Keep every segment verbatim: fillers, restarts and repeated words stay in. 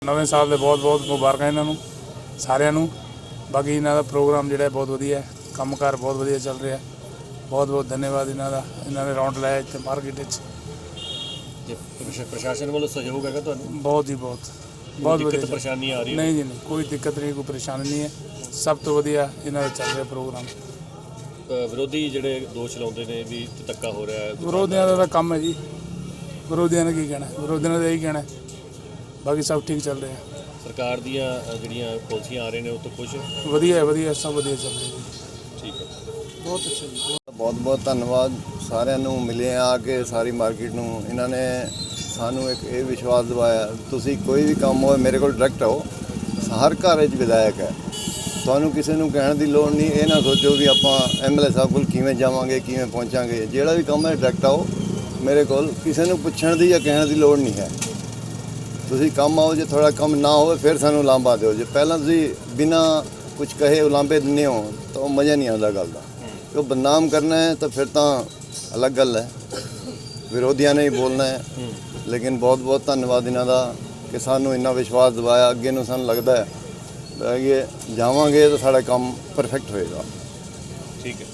नवे साल के बहुत बहुत मुबारक इन्हों सारिਆਂ ਨੂੰ। बाकी इन्हों का प्रोग्राम जोड़ा बहुत वधिया है, कामकार बहुत वधिया चल रहा है। बहुत बहुत धन्यवाद इन्हों का, इन्होंने राउंड लाया इतने मार्केट। प्रशासन वालों सहयोग है तो बहुत ही बहुत बहुत वधिया परेशानी आ रही है? नहीं जी नहीं, कोई दिक्कत नहीं, कोई परेशानी नहीं है। सब तो वधिया इन्हों का चल रहा प्रोग्राम। विरोधी जोड़े दोष लाते हैं भी धक्का हो रहा है, विरोधियों का काम है जी। विरोधियों ने की कहना, विरोधियों ने यही कहना है। बाकी सब ठीक चल रहा है। सरकार दियां ਜਿਹੜੀਆਂ ਪਾਲਿਸੀਆਂ ਆ रही हैं वो तो खुश वधिया है, वधिया सब वधिया चल रहा है। ठीक है, बहुत अच्छा जी। बहुत बहुत धन्यवाद साਰਿਆਂ ਨੂੰ ਮਿਲੇ ਆ ਕੇ ਸਾਰੀ ਮਾਰਕੀਟ ਨੂੰ। ਇਹਨਾਂ ਨੇ ਸਾਨੂੰ ਇੱਕ ਇਹ ਵਿਸ਼ਵਾਸ ਦਿਵਾਇਆ ਤੁਸੀਂ ਕੋਈ ਵੀ ਕੰਮ ਹੋਵੇ ਮੇਰੇ ਕੋਲ ਡਾਇਰੈਕਟ ਆਓ। ਹਰ ਘਰ ਵਿੱਚ ਵਿਧਾਇਕ ਹੈ, ਤੁਹਾਨੂੰ ਕਿਸੇ ਨੂੰ ਕਹਿਣ ਦੀ ਲੋੜ ਨਹੀਂ। ਇਹ ਨਾ ਸੋਚੋ ਵੀ ਆਪਾਂ ਐਮਐਲਏ ਸਾਹਿਬ ਕੋਲ ਕਿਵੇਂ ਜਾਵਾਂਗੇ ਕਿਵੇਂ ਪਹੁੰਚਾਂਗੇ। ਜਿਹੜਾ ਵੀ ਕੰਮ ਹੈ ਡਾਇਰੈਕਟ ਆਓ ਮੇਰੇ ਕੋਲ, ਕਿਸੇ ਨੂੰ ਪੁੱਛਣ ਦੀ ਜਾਂ ਕਹਿਣ ਦੀ ਲੋੜ ਨਹੀਂ ਹੈ। ਤੁਸੀਂ ਕੰਮ ਆਓ, ਜੇ ਥੋੜਾ ਕੰਮ ਨਾ ਹੋਵੇ ਫਿਰ ਸਾਨੂੰ ਲਾਂਭਾ ਦਿਓ। ਜੇ ਪਹਿਲਾਂ ਤੁਸੀਂ ਬਿਨਾਂ ਕੁਝ ਕਹੇ ਉਲਾਂਭੇ ਦਿੰਦੇ ਹੋ ਤਾਂ ਉਹ ਮਜ਼ਾ ਨਹੀਂ ਆਉਂਦਾ ਗੱਲ ਦਾ। ਜੋ ਬਦਨਾਮ ਕਰਨਾ ਹੈ ਤਾਂ ਫਿਰ ਤਾਂ ਅਲੱਗ ਗੱਲ ਹੈ, ਵਿਰੋਧੀਆਂ ਨੇ ਹੀ ਬੋਲਣਾ ਹੈ। ਲੇਕਿਨ ਬਹੁਤ ਬਹੁਤ ਧੰਨਵਾਦ ਇਹਨਾਂ ਦਾ ਕਿ ਸਾਨੂੰ ਇੰਨਾ ਵਿਸ਼ਵਾਸ ਦਿਵਾਇਆ। ਅੱਗੇ ਨੂੰ ਸਾਨੂੰ ਲੱਗਦਾ ਹੈ ਕਿ ਜਾਵਾਂਗੇ ਤਾਂ ਸਾਡਾ ਕੰਮ ਪਰਫੈਕਟ ਹੋਏਗਾ। ठीक है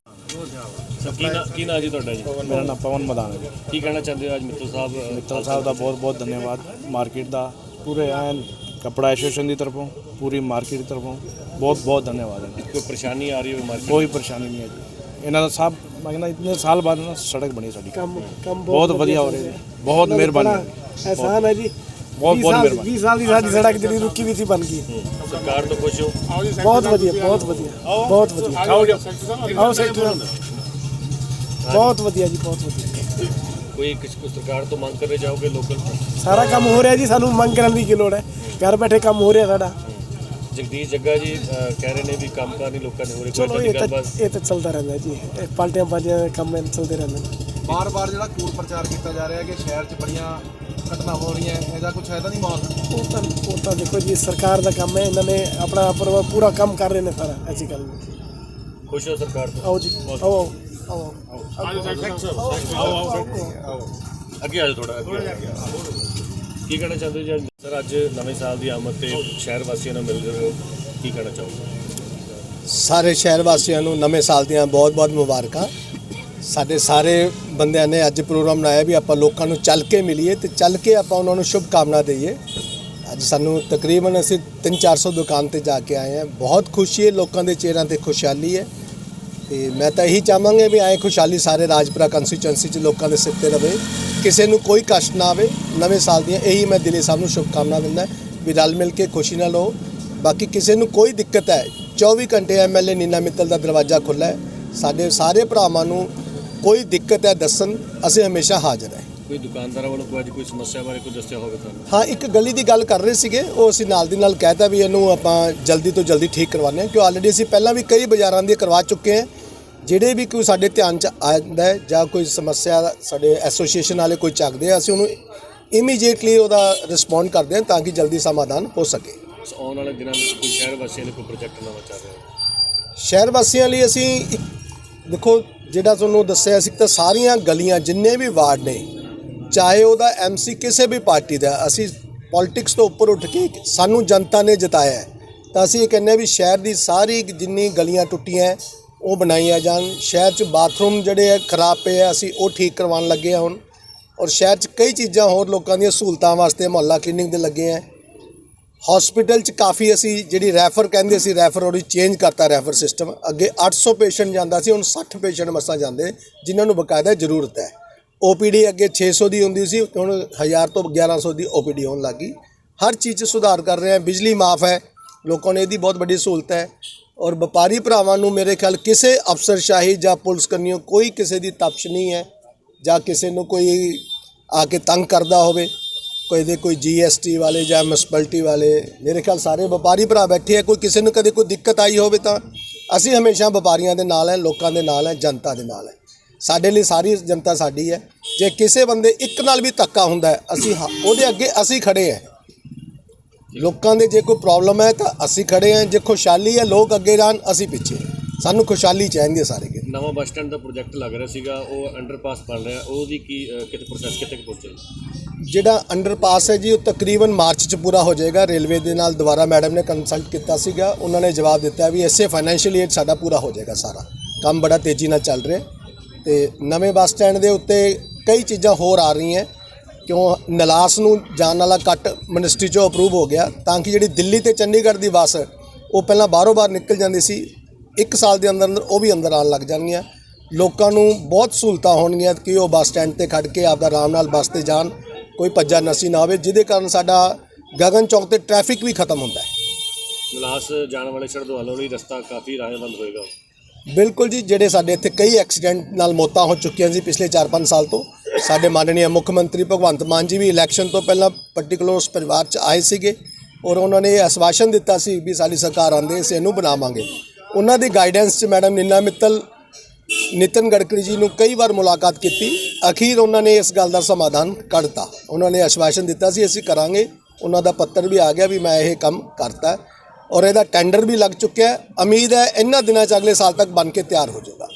सर, की ना की ना जी ਤੁਹਾਡਾ ਜੀ? मेरा नाम पवन मदान है जी। ਕੀ ਕਹਿਣਾ ਚਾਹੁੰਦੇ ਹੋ ਅੱਜ ਮਿੱਤਲ ਸਾਹਿਬ? मित्तल साहब का बहुत बहुत धन्यवाद। मार्केट का पूरे एन कपड़ा एसोसीएशन की तरफों पूरी मार्केट की तरफों बहुत बहुत धन्यवाद है। कोई परेशानी आ रही है मार्केट? कोई परेशानी नहीं है जी। इन्हों का साहब मैं कहना इतने साल बाद ना सड़क बनी साड़ी कम कम बहुत बढ़िया हो रही है। बहुत मेहरबानी, एहसान है जी। बहुत बहुत मेहरबानी। बीस साल की साडी सड़क जी रुकी भी थी बन गई। सरकार तो खुश हो? बहुत बढ़िया बहुत बढ़िया बहुत बढ़िया। आओ सेक्टर बहुत बढ़िया जी, बहुत बढ़िया। कोई किस को सरकार तो मांग कर जाओगे लोकल? सारा काम हो रहा है जी, सानू मंग करने की लोड़ है। घर बैठे काम हो रहा है साडा। जगदीश जग्गा जी अ, कह रहे हैं भी कामकार नहीं लोगों ने हो रही। चलो ये तो ये तो चलता रहता है जी, पार्टियां पार्टियां काम में चलते रहते हैं। ਬਾਰ ਬਾਰ ਜਿਹੜਾ ਕੂੜ ਪ੍ਰਚਾਰ ਕੀਤਾ ਜਾ ਰਿਹਾ ਕਿ ਸ਼ਹਿਰ 'ਚ ਬੜੀਆਂ ਘਟਨਾਵਾਂ ਹੋ ਰਹੀਆਂ, ਇਹਦਾ ਕੁਝ ਹੈ ਤਾਂ ਨਹੀਂ ਮਾਹੌਲ? वो तो वो तो देखो जी सरकार का काम है, इन्होंने अपना पूरा पूरा काम कर रहे हैं सारा। ऐसी गल नहीं। खुश हो सरकार तो? आओ जी आओ आओ आओ ਅੱਗੇ ਆ ਜਾਓ ਥੋੜਾ ਅੱਗੇ ਆ ਜਾਓ। ਕੀ ਕਹਿਣਾ ਚਾਹੁੰਦੇ ਹੋ ਜੀ ਸਰ? ਅੱਜ ਨਵੇਂ ਸਾਲ ਦੀ ਆਮਦ ਤੇ ਸ਼ਹਿਰ ਵਾਸੀਆਂ ਨਾਲ ਮਿਲ ਰਹੇ ਹੋ, ਕੀ ਕਹਿਣਾ ਚਾਹੋਗੇ? ਸਾਰੇ ਸ਼ਹਿਰ ਵਾਸੀਆਂ ਨੂੰ ਨਵੇਂ ਸਾਲ ਦੀਆਂ ਬਹੁਤ ਬਹੁਤ ਮੁਬਾਰਕਾਂ। ਸਾਡੇ ਸਾਰੇ ਬੰਦਿਆਂ ਨੇ ਅੱਜ ਪ੍ਰੋਗਰਾਮ ਬਣਾਇਆ ਵੀ ਆਪਾਂ ਲੋਕਾਂ ਨੂੰ ਚੱਲ ਕੇ ਮਿਲੀਏ ਤੇ ਚੱਲ ਕੇ ਆਪਾਂ ਉਹਨਾਂ ਨੂੰ ਸ਼ੁਭ ਕਾਮਨਾ ਦਈਏ। ਅੱਜ ਸਾਨੂੰ ਤਕਰੀਬਨ ਅਸੀਂ ਤਿੰਨ ਚਾਰ ਸੌ ਦੁਕਾਨ ਤੇ ਜਾ ਕੇ ਆਏ ਹਾਂ। ਬਹੁਤ ਖੁਸ਼ੀ ਹੈ, ਲੋਕਾਂ ਦੇ ਚਿਹਰਿਆਂ ਤੇ ਖੁਸ਼ਹਾਲੀ ਹੈ ਤੇ ਮੈਂ ਤਾਂ ਇਹੀ ਚਾਹਾਂਗਾ ਵੀ ਐਂ ਖੁਸ਼ਹਾਲੀ ਸਾਰੇ ਰਾਜਪੁਰਾ ਕੰਸਟੀਚੁਐਂਸੀ 'ਚ ਲੋਕਾਂ ਦੇ ਸਿਰ 'ਤੇ ਰਵੇ, ਕਿਸੇ ਨੂੰ ਕੋਈ ਕਸ਼ਟ ਨਾ ਆਵੇ। ਨਵੇਂ ਸਾਲ ਦੀਆਂ ਇਹੀ ਮੈਂ ਦਿਲੀ ਸਾਹਿਬ ਨੂੰ ਸ਼ੁਭ ਕਾਮਨਾ ਦਿੰਦਾ ਵੀ ਰਲ ਮਿਲ ਕੇ ਖੁਸ਼ੀ ਨਾਲ ਰਹੋ। ਬਾਕੀ ਕਿਸੇ ਨੂੰ ਕੋਈ ਦਿੱਕਤ ਹੈ ਚੌਵੀ ਘੰਟੇ ਐਮਐਲਏ ਨੀਨਾ ਮਿੱਤਲ ਦਾ ਦਰਵਾਜ਼ਾ ਖੁੱਲ੍ਹਾ ਹੈ। ਸਾਡੇ ਸਾਰੇ ਭਰਾਵਾਂ ਨੂੰ ਕੋਈ ਦਿੱਕਤ ਹੈ ਦੱਸਣ, ਅਸੀਂ ਹਮੇਸ਼ਾ ਹਾਜ਼ਰ ਹੈ। ਕੋਈ ਦੁਕਾਨਦਾਰਾਂ ਵੱਲੋਂ ਕੋਈ ਅੱਜ ਕੋਈ ਸਮੱਸਿਆ ਬਾਰੇ ਕੋਈ ਦੱਸਿਆ ਹੋਵੇ ਤੁਹਾਨੂੰ? ਹਾਂ, ਇੱਕ ਗਲੀ ਦੀ ਗੱਲ ਕਰ ਰਹੇ ਸੀਗੇ, ਉਹ ਅਸੀਂ ਨਾਲ ਦੀ ਨਾਲ ਕਹਿਤਾ ਵੀ ਇਹਨੂੰ ਆਪਾਂ ਜਲਦੀ ਤੋਂ ਜਲਦੀ ਠੀਕ ਕਰਵਾਉਂਦੇ ਹਾਂ, ਕਿਉਂ ਆਲਰੇਡੀ ਅਸੀਂ ਪਹਿਲਾਂ ਵੀ ਕਈ ਬਾਜ਼ਾਰਾਂ ਦੀਆਂ ਕਰਵਾ ਚੁੱਕੇ ਹਾਂ। ਜਿਹੜੇ ਵੀ ਕੋਈ ਸਾਡੇ ਧਿਆਨ 'ਚ ਆਉਂਦਾ ਹੈ ਜਾਂ ਕੋਈ ਸਮੱਸਿਆ ਸਾਡੇ ਐਸੋਸੀਏਸ਼ਨ ਵਾਲੇ ਕੋਈ ਚੱਕਦੇ ਆ, ਅਸੀਂ ਉਹਨੂੰ ਇਮੀਡੀਏਟਲੀ ਉਹਦਾ ਰਿਸਪੌਂਡ ਕਰਦੇ ਹਾਂ ਤਾਂ ਕਿ ਜਲਦੀ ਸਮਾਧਾਨ ਹੋ ਸਕੇ। ਆਉਣ ਵਾਲੇ ਦਿਨਾਂ ਵਿੱਚ ਕੋਈ ਸ਼ਹਿਰ ਵਾਸੀਆਂ ਲਈ ਕੋਈ ਪ੍ਰੋਜੈਕਟ ਨਵਾਂ ਚੱਲ ਰਿਹਾ? ਸ਼ਹਿਰ ਵਾਸੀਆਂ ਲਈ ਅਸੀਂ ਇੱਕ ਦੇਖੋ ਜਿਹੜਾ ਤੁਹਾਨੂੰ ਦੱਸਿਆ ਸੀ ਤਾਂ ਸਾਰੀਆਂ ਗਲੀਆਂ ਜਿੰਨੇ ਵੀ ਵਾਰਡ ਨੇ, ਚਾਹੇ ਉਹਦਾ ਐਮਸੀ ਕਿਸੇ ਵੀ ਪਾਰਟੀ ਦਾ, ਅਸੀਂ ਪੋਲਿਟਿਕਸ ਤੋਂ ਉੱਪਰ ਉੱਠ ਕੇ ਸਾਨੂੰ ਜਨਤਾ ਨੇ ਜਿਤਾਇਆ ਹੈ ਤਾਂ ਅਸੀਂ ਇਹ ਕਹਿੰਦੇ ਵੀ ਸ਼ਹਿਰ ਦੀ ਸਾਰੀ ਜਿੰਨੀ ਗਲੀਆਂ ਟੁੱਟੀਆਂ ਉਹ ਬਣਾਈਆਂ ਜਾਣ। ਸ਼ਹਿਰ 'ਚ ਬਾਥਰੂਮ ਜਿਹੜੇ ਹੈ ਖਰਾਬ ਪਏ ਆ, ਅਸੀਂ ਉਹ ਠੀਕ ਕਰਵਾਉਣ ਲੱਗੇ ਹਾਂ ਹੁਣ। ਔਰ ਸ਼ਹਿਰ 'ਚ ਕਈ ਚੀਜ਼ਾਂ ਹੋਰ ਲੋਕਾਂ ਦੀਆਂ ਸਹੂਲਤਾਂ ਵਾਸਤੇ ਮੁਹੱਲਾ ਕਲੀਨਿਕ ਦੇ ਲੱਗੇ ਆ। ਹਸਪੀਟਲ 'ਚ ਕਾਫੀ ਅਸੀਂ ਜਿਹੜੀ ਰੈਫਰ ਕਹਿੰਦੇ ਸੀ, ਰੈਫਰ ਉਹਦੀ ਚੇਂਜ ਕਰਤਾ ਰੈਫਰ ਸਿਸਟਮ। ਅੱਗੇ ਅੱਠ ਸੌ ਪੇਸ਼ੈਂਟ ਜਾਂਦਾ ਸੀ, ਹੁਣ ਸੱਠ ਪੇਸ਼ੈਂਟ ਮਸਾਂ ਜਾਂਦੇ ਜਿਨ੍ਹਾਂ ਨੂੰ ਬਕਾਇਦਾ ਜ਼ਰੂਰਤ ਹੈ। ਓ ਪੀ ਡੀ ਅੱਗੇ ਛੇ ਸੌ ਦੀ ਹੁੰਦੀ ਸੀ, ਹੁਣ ਹਜ਼ਾਰ ਤੋਂ ਗਿਆਰਾਂ ਸੌ ਦੀ ਓ ਪੀ ਡੀ ਹੋਣ ਲੱਗ ਗਈ। ਹਰ ਚੀਜ਼ 'ਚ ਸੁਧਾਰ ਕਰ ਰਹੇ ਹਾਂ। ਬਿਜਲੀ ਮਾਫ ਹੈ, ਲੋਕਾਂ ਨੂੰ ਇਹਦੀ ਬਹੁਤ ਵੱਡੀ ਸਹੂਲਤ ਹੈ। ਔਰ ਵਪਾਰੀ ਭਰਾਵਾਂ ਨੂੰ ਮੇਰੇ ਖਿਆਲ ਕਿਸੇ ਅਫਸਰਸ਼ਾਹੀ ਜਾਂ ਪੁਲਿਸ ਕਰਨੀਓ ਕੋਈ ਕਿਸੇ ਦੀ ਤਪਸ਼ ਨਹੀਂ ਹੈ, ਜਾਂ ਕਿਸੇ ਨੂੰ ਕੋਈ ਆ ਕੇ ਤੰਗ ਕਰਦਾ ਹੋਵੇ, ਕੋਈ ਦੇ ਕੋਈ ਜੀ ਐਸ ਟੀ ਵਾਲੇ ਜਾਂ ਮਿਊਨਿਸਪੈਲਿਟੀ ਵਾਲੇ। ਮੇਰੇ ਖਿਆਲ ਸਾਰੇ ਵਪਾਰੀ ਭਰਾ ਬੈਠੇ ਆ। ਕੋਈ ਕਿਸੇ ਨੂੰ ਕਦੇ ਕੋਈ ਦਿੱਕਤ ਆਈ ਹੋਵੇ ਤਾਂ ਅਸੀਂ ਹਮੇਸ਼ਾ ਵਪਾਰੀਆਂ ਦੇ ਨਾਲ ਹੈ, ਲੋਕਾਂ ਦੇ ਨਾਲ ਹੈ, ਜਨਤਾ ਦੇ ਨਾਲ ਹੈ। ਸਾਡੇ ਲਈ ਸਾਰੀ ਜਨਤਾ ਸਾਡੀ ਹੈ। ਜੇ ਕਿਸੇ ਬੰਦੇ ਇੱਕ ਨਾਲ ਵੀ ਧੱਕਾ ਹੁੰਦਾ ਅਸੀਂ ਉਹਦੇ ਅੱਗੇ ਅਸੀਂ ਖੜੇ ਹਾਂ। ਲੋਕਾਂ ਦੇ ਜੇ ਕੋਈ ਪ੍ਰੋਬਲਮ ਹੈ ਤਾਂ ਅਸੀਂ ਖੜੇ ਹਾਂ, ਜੇ ਖੁਸ਼ਹਾਲੀ ਹੈ ਲੋਕ ਅੱਗੇ ਜਾਣ, ਅਸੀਂ ਪਿੱਛੇ। ਸਾਨੂੰ ਖੁਸ਼ਹਾਲੀ ਚਾਹੀਦੀ ਹੈ ਸਾਰੇ ਕੇ। ਨਵਾਂ ਬੱਸ ਸਟੈਂਡ ਦਾ ਪ੍ਰੋਜੈਕਟ ਲੱਗ ਰਿਹਾ ਸੀਗਾ, ਉਹ ਅੰਡਰਪਾਸ ਬਣ ਰਿਹਾ, ਉਹਦੀ ਕੀ ਕਿਤੇ ਪ੍ਰੋਸੈਸ ਕਿਤੇ ਪਹੁੰਚਿਆ? ਜਿਹੜਾ ਅੰਡਰਪਾਸ ਹੈ ਜੀ ਉਹ ਤਕਰੀਬਨ ਮਾਰਚ 'ਚ ਪੂਰਾ ਹੋ ਜਾਏਗਾ। ਰੇਲਵੇ ਦੇ ਨਾਲ ਦੁਬਾਰਾ ਮੈਡਮ ਨੇ ਕੰਸਲਟ ਕੀਤਾ ਸੀਗਾ, ਉਹਨਾਂ ਨੇ ਜਵਾਬ ਦਿੱਤਾ ਵੀ ਇਸੇ ਫਾਈਨੈਂਸ਼ੀਅਲ ਈਅਰ ਸਾਡਾ ਪੂਰਾ ਹੋ ਜਾਏਗਾ। ਸਾਰਾ ਕੰਮ ਬੜਾ ਤੇਜ਼ੀ ਨਾਲ ਚੱਲ ਰਿਹਾ ਤੇ ਨਵੇਂ ਬੱਸ ਸਟੈਂਡ ਦੇ ਉੱਤੇ ਕਈ ਚੀਜ਼ਾਂ ਹੋਰ ਆ ਰਹੀਆਂ, ਕਿਉਂ ਨਲਾਸ ਨੂੰ ਜਾਣ ਵਾਲਾ ਕੱਟ ਮਿਨਿਸਟਰੀ 'ਚੋਂ ਅਪਰੂਵ ਹੋ ਗਿਆ, ਤਾਂ ਕਿ ਜਿਹੜੀ ਦਿੱਲੀ ਤੇ ਚੰਡੀਗੜ੍ਹ ਦੀ ਬੱਸ ਉਹ ਪਹਿਲਾਂ ਬਾਹਰੋਂ ਬਾਹਰ ਨਿਕਲ ਜਾਂਦੀ ਸੀ, ਇੱਕ ਸਾਲ ਦੇ ਅੰਦਰ ਅੰਦਰ ਉਹ ਵੀ ਅੰਦਰ ਆਉਣ ਲੱਗ ਜਾਣਗੀਆਂ। ਲੋਕਾਂ ਨੂੰ ਬਹੁਤ ਸਹੂਲਤਾਂ ਹੋਣਗੀਆਂ ਕਿ ਉਹ ਬੱਸ ਸਟੈਂਡ ਤੇ ਖੜ੍ਹ ਕੇ ਆਪਦਾ ਆਰਾਮ ਨਾਲ ਬੱਸ ਤੇ ਜਾਣ, ਕੋਈ ਭੱਜਾ ਨਸੀ ਨਾ ਹੋਵੇ, ਜਿਹਦੇ ਕਾਰਨ ਸਾਡਾ ਗਗਨ ਚੌਕ ਤੇ ਟ੍ਰੈਫਿਕ ਵੀ ਖਤਮ ਹੁੰਦਾ ਹੈ। ਮਲਾਸ ਜਾਣ ਵਾਲੇ ਸ਼ਰਧਾਲੂਆਂ ਲਈ ਰਸਤਾ ਕਾਫੀ ਰਾਹੇਵੰਦ ਹੋਏਗਾ। ਬਿਲਕੁਲ ਜੀ, ਜਿਹੜੇ ਸਾਡੇ ਇੱਥੇ ਕਈ ਐਕਸੀਡੈਂਟ ਨਾਲ ਮੌਤਾਂ ਹੋ ਚੁੱਕੀਆਂ ਸੀ ਪਿਛਲੇ ਚਾਰ ਪੰਜ ਸਾਲ ਤੋਂ, ਸਾਡੇ ਮਾਨਨੀय ਮੁੱਖ ਮੰਤਰੀ ਭਗਵੰਤ ਮਾਨ ਜੀ ਵੀ ਇਲੈਕਸ਼ਨ ਤੋਂ ਪਹਿਲਾਂ ਪਰਟੀਕੂਲਰ ਉਸ ਪਰਿਵਾਰ 'ਚ ਆਏ ਸੀਗੇ ਔਰ ਉਹਨਾਂ ਨੇ ਇਹ ਆਸ਼ਵਾਸਨ ਦਿੱਤਾ ਸੀ ਵੀ ਸਾਡੀ ਸਰਕਾਰ ਆਉਂਦੇ ਅਸੀਂ ਇਹਨੂੰ ਬਣਾਵਾਂਗੇ। ਉਹਨਾਂ ਦੀ ਗਾਈਡੈਂਸ 'ਚ ਮੈਡਮ ਨੀਨਾ ਮਿੱਤਲ ਨਿਤਨ ਗਡਕਰੀ ਜੀ ਨੂੰ ਕਈ ਵਾਰ ਮੁਲਾਕਾਤ ਕੀਤੀ, ਅਖੀਰ ਉਹਨਾਂ ਨੇ ਇਸ ਗੱਲ ਦਾ ਸਮਾਧਾਨ ਕੱਢਤਾ। ਉਹਨਾਂ ਨੇ ਆਸ਼ਵਾਸਨ ਦਿੱਤਾ ਸੀ ਅਸੀਂ ਕਰਾਂਗੇ, ਉਹਨਾਂ ਦਾ ਪੱਤਰ ਵੀ ਆ ਗਿਆ ਵੀ ਮੈਂ ਇਹ ਕੰਮ ਕਰਤਾ ਔਰ ਇਹਦਾ ਟੈਂਡਰ ਵੀ ਲੱਗ ਚੁੱਕਿਆ। ਉਮੀਦ ਹੈ ਇਹਨਾਂ ਦਿਨਾਂ 'ਚ ਅਗਲੇ ਸਾਲ ਤੱਕ ਬਣ ਕੇ ਤਿਆਰ ਹੋ ਜਾਊਗਾ।